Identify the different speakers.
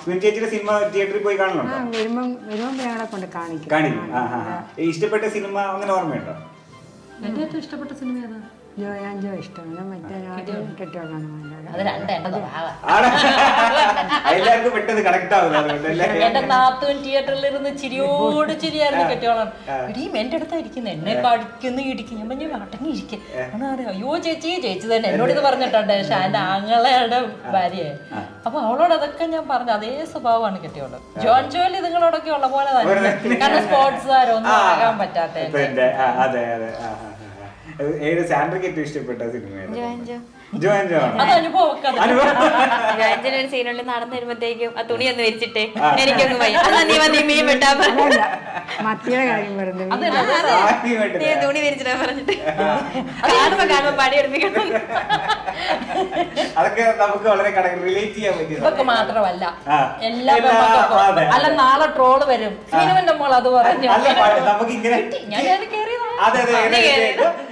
Speaker 1: ചേച്ചിയുടെ സിനിമ തിയേറ്ററിൽ പോയി കാണുന്നുണ്ടോ?
Speaker 2: വരുമ്പോ കൊണ്ട് കാണിക്കും.
Speaker 1: ഇഷ്ടപ്പെട്ട സിനിമ അങ്ങനെ ഓർമ്മയുണ്ടോ?
Speaker 3: എന്റെ ഏറ്റവും ഇഷ്ടപ്പെട്ട സിനിമ ഏതാ?
Speaker 2: ജോ ഇഷ്ടമാണ്. മറ്റേ കെട്ടിയോളാണ്.
Speaker 3: അത് രണ്ടെണ്ണത്
Speaker 1: എല്ലാവർക്കും പെട്ടെന്ന് കണക്ട് ആവുന്നത്.
Speaker 3: എന്റെ നാത്തൂൻ തിയേറ്ററിൽ ഇരുന്ന് ചിരിയോട് ചിരിയായിരുന്നു കെട്ടിയോളം. ഇടിയും എന്റെ അടുത്താ ഇരിക്കുന്നത്, എന്നെ കടിക്കുന്നു ഇടിക്കും. ഞാൻ പറഞ്ഞു അടങ്ങിയിരിക്കും. അയ്യോ ചേച്ചി തന്നെ എന്നോട് ഇത് പറഞ്ഞിട്ടുണ്ട്. പക്ഷെ എന്റെ ആങ്ങളയുടെ ഭാര്യയെ. അപ്പൊ അവളോട് അതൊക്കെ ഞാൻ പറഞ്ഞു. അതേ സ്വഭാവമാണ് കെട്ടിയോള്. ജോൺ ജോലി നിങ്ങളോടൊക്കെ ഉള്ള പോലെ തന്നെ. കാരണം സ്പോർട്സുകാരൊന്നും ആകാൻ പറ്റാത്ത.
Speaker 1: സാൻഡ്രയ്ക്ക് ഏറ്റവും ഇഷ്ടപ്പെട്ട സിനിമ
Speaker 4: ഒരു സീനുള്ളിൽ നടന്നു വരുമ്പോഴത്തേക്കും ആ തുണി ഒന്ന് വിരിച്ചിട്ടേ എനിക്കൊന്ന് പോയി മീൻ വെട്ടാ
Speaker 2: മത്തിയുടെ കാര്യം പറഞ്ഞു.
Speaker 4: നീ തുണി വിരിച്ചിട്ടാ പറഞ്ഞിട്ട് കാണുമ്പോ പണിയെടുപ്പിക്കണം.
Speaker 1: അതൊക്കെ നമുക്ക് വളരെ റിലേറ്റ് ചെയ്യാൻ പറ്റും.
Speaker 3: ഇതൊക്കെ മാത്രമല്ല എല്ലാ അല്ല നാളെ ട്രോള് വരും. സിനിമന്റെ മോൾ അത് പറഞ്ഞു
Speaker 1: നമുക്ക് ഇങ്ങനെ
Speaker 3: ഞാൻ കയറിയതാണ്.
Speaker 1: അതെ